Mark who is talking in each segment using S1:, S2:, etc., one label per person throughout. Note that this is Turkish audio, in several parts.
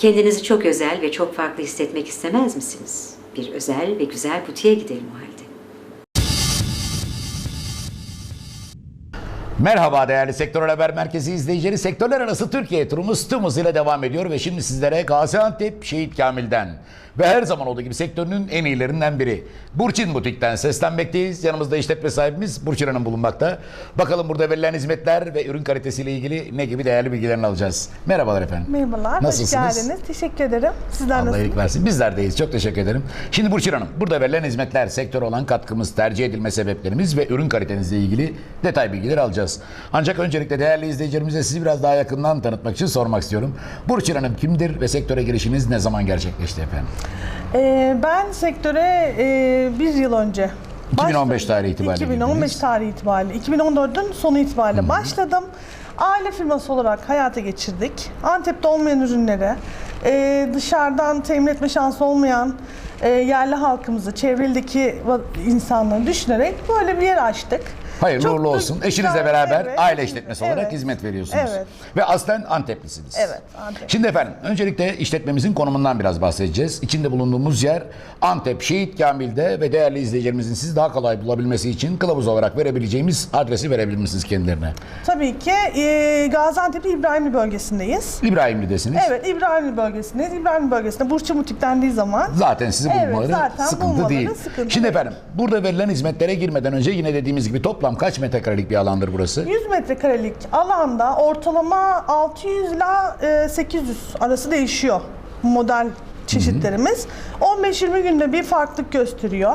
S1: Kendinizi çok özel ve çok farklı hissetmek istemez misiniz? Bir özel ve güzel butiğe gidelim o halde.
S2: Merhaba değerli Sektör Haber Merkezi izleyicileri. Sektörler arası Türkiye turumuz tüm hızıyla devam ediyor ve şimdi sizlere Gaziantep Şehit Kamil'den ve her zaman olduğu gibi sektörünün en iyilerinden biri Burçin Butik'ten seslenmekteyiz. Yanımızda işletme sahibimiz Burçin Hanım bulunmakta. Bakalım burada verilen hizmetler ve ürün kalitesiyle ilgili ne gibi değerli bilgilerini alacağız. Merhabalar efendim.
S3: Merhabalar,
S2: Nasılsınız?
S3: hoş geldiniz. Teşekkür ederim. Sizler
S2: Allah
S3: nasılsınız?
S2: iyilik versin. Bizler deyiz. Çok teşekkür ederim. Şimdi Burçin Hanım, burada verilen hizmetler, sektör olan katkımız, tercih edilme sebeplerimiz ve ürün kalitenizle ilgili detay bilgileri alacağız. Ancak öncelikle değerli izleyicilerimize sizi biraz daha yakından tanıtmak için sormak istiyorum. Burçin Hanım kimdir ve sektöre girişiniz ne zaman gerçekleşti efendim?
S3: Ben sektöre bir yıl önce
S2: 2015 tarihi itibariyle
S3: 2015
S2: girdiniz.
S3: tarihi itibariyle, 2014'ün sonu itibariyle başladım. Aile firması olarak hayata geçirdik. Antep'te olmayan ürünleri dışarıdan temin etme şansı olmayan yerli halkımızı, çevredeki insanları düşünerek böyle bir yer açtık.
S2: Hayırlı
S3: Çok
S2: uğurlu
S3: da
S2: olsun. Eşinizle
S3: güzel,
S2: beraber
S3: evet.
S2: aile işletmesi olarak
S3: Evet.
S2: hizmet veriyorsunuz.
S3: Evet.
S2: Ve aslen Anteplisiniz.
S3: Evet, Antep.
S2: Şimdi efendim öncelikle işletmemizin konumundan biraz bahsedeceğiz. İçinde bulunduğumuz yer Antep Şehit Kamil'de ve değerli izleyicilerimizin sizi daha kolay bulabilmesi için kılavuz olarak verebileceğimiz adresi verebilir misiniz kendilerine?
S3: Tabii ki Gaziantep İbrahimli bölgesindeyiz.
S2: İbrahimli'desiniz.
S3: Evet, İbrahimli bölgesindeyiz. İbrahimli bölgesinde Burçin Butik dendiği zaman
S2: Zaten sizi
S3: Evet,
S2: bulmaları
S3: zaten
S2: sıkıntı
S3: bulmaları
S2: değil.
S3: sıkıntı
S2: Şimdi
S3: değil.
S2: efendim burada verilen hizmetlere girmeden önce yine dediğimiz gibi toplam kaç metrekarelik bir alandır burası?
S3: 100 metrekarelik alanda ortalama 600 ile 800 arası değişiyor model çeşitlerimiz. 15-20 günde bir farklılık gösteriyor.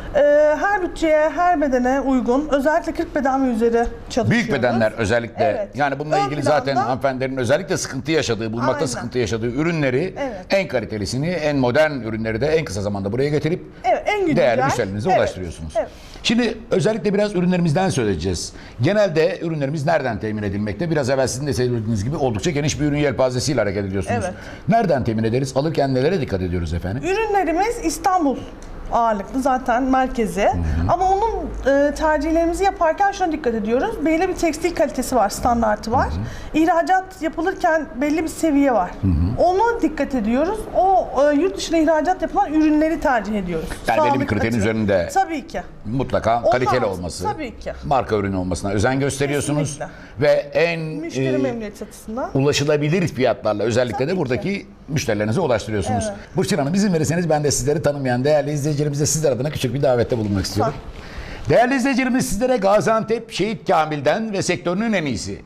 S3: Her bütçeye, her bedene uygun. Özellikle 40 beden ve üzeri çalışıyoruz.
S2: Büyük bedenler özellikle
S3: Evet.
S2: yani bununla
S3: Ön
S2: ilgili
S3: planda-
S2: zaten hanımefendilerin özellikle sıkıntı yaşadığı, bulmakta
S3: Aynen.
S2: sıkıntı yaşadığı ürünleri
S3: Evet.
S2: en kalitelisini, en modern ürünleri de en kısa zamanda buraya getirip
S3: Evet, en güncel.
S2: değerli müşterilerinize
S3: Evet.
S2: ulaştırıyorsunuz.
S3: Evet.
S2: Şimdi özellikle biraz ürünlerimizden söyleyeceğiz. Genelde ürünlerimiz nereden temin edilmekte? Biraz evvel sizin de söylediğiniz gibi oldukça geniş bir ürün yelpazesiyle hareket ediyorsunuz.
S3: Evet.
S2: Nereden temin ederiz? Alırken nelere dikkat ediyoruz efendim?
S3: Ürünlerimiz İstanbul ağırlıklı zaten merkezi. Ama onun tercihlerimizi yaparken şuna dikkat ediyoruz. Belli bir tekstil kalitesi var, standartı var. İhracat yapılırken belli bir seviye var. Ona dikkat ediyoruz. O yurt dışına ihracat yapılan ürünleri tercih ediyoruz.
S2: Yani belli bir
S3: Sağlık
S2: kriterin
S3: açığı.
S2: üzerinde
S3: Tabii ki.
S2: mutlaka
S3: Olmaz.
S2: kaliteli olması,
S3: Tabii ki.
S2: marka ürünü olmasına özen gösteriyorsunuz.
S3: Kesinlikle.
S2: Ve en
S3: Müşteri memnuniyeti açısından.
S2: ulaşılabilir fiyatlarla özellikle
S3: Tabii
S2: de
S3: ki.
S2: buradaki müşterilerinize ulaştırıyorsunuz.
S3: Evet.
S2: Burçin Hanım izin verirseniz ben de sizleri tanımayan değerli izleyicilerimize sizler adına küçük bir davette bulunmak istiyorum. Değerli izleyicilerimiz sizlere Gaziantep Şehit Kamil'den ve sektörünün en iyisi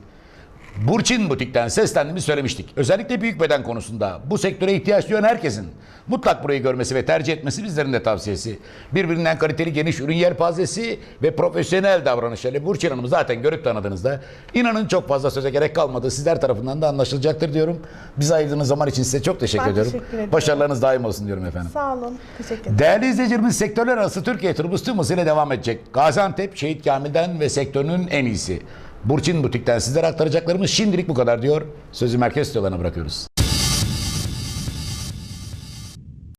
S2: Burçin Butik'ten seslendiğimizi söylemiştik. Özellikle büyük beden konusunda bu sektöre ihtiyaç duyan herkesin mutlak burayı görmesi ve tercih etmesi bizlerin de tavsiyesi. Birbirinden kaliteli geniş ürün yelpazesi ve profesyonel davranışlarıyla Burçin Hanım'ı zaten görüp tanıdığınızda inanın çok fazla söze gerek kalmadı. Sizler tarafından da anlaşılacaktır diyorum. Bize ayırdığınız zaman için size çok teşekkür
S3: Ben
S2: ediyorum.
S3: teşekkür ederim.
S2: Başarılarınız daim olsun diyorum efendim.
S3: Sağ olun. Teşekkür ederim.
S2: Değerli izleyicilerimiz sektörler arası Türkiye turumuz tüm hızıyla devam edecek. Gaziantep Şehit Kamil'den ve sektörünün en iyisi Burçin Butik'ten sizlere aktaracaklarımız şimdilik bu kadar diyor. Sözü merkez stüdyolarına bırakıyoruz.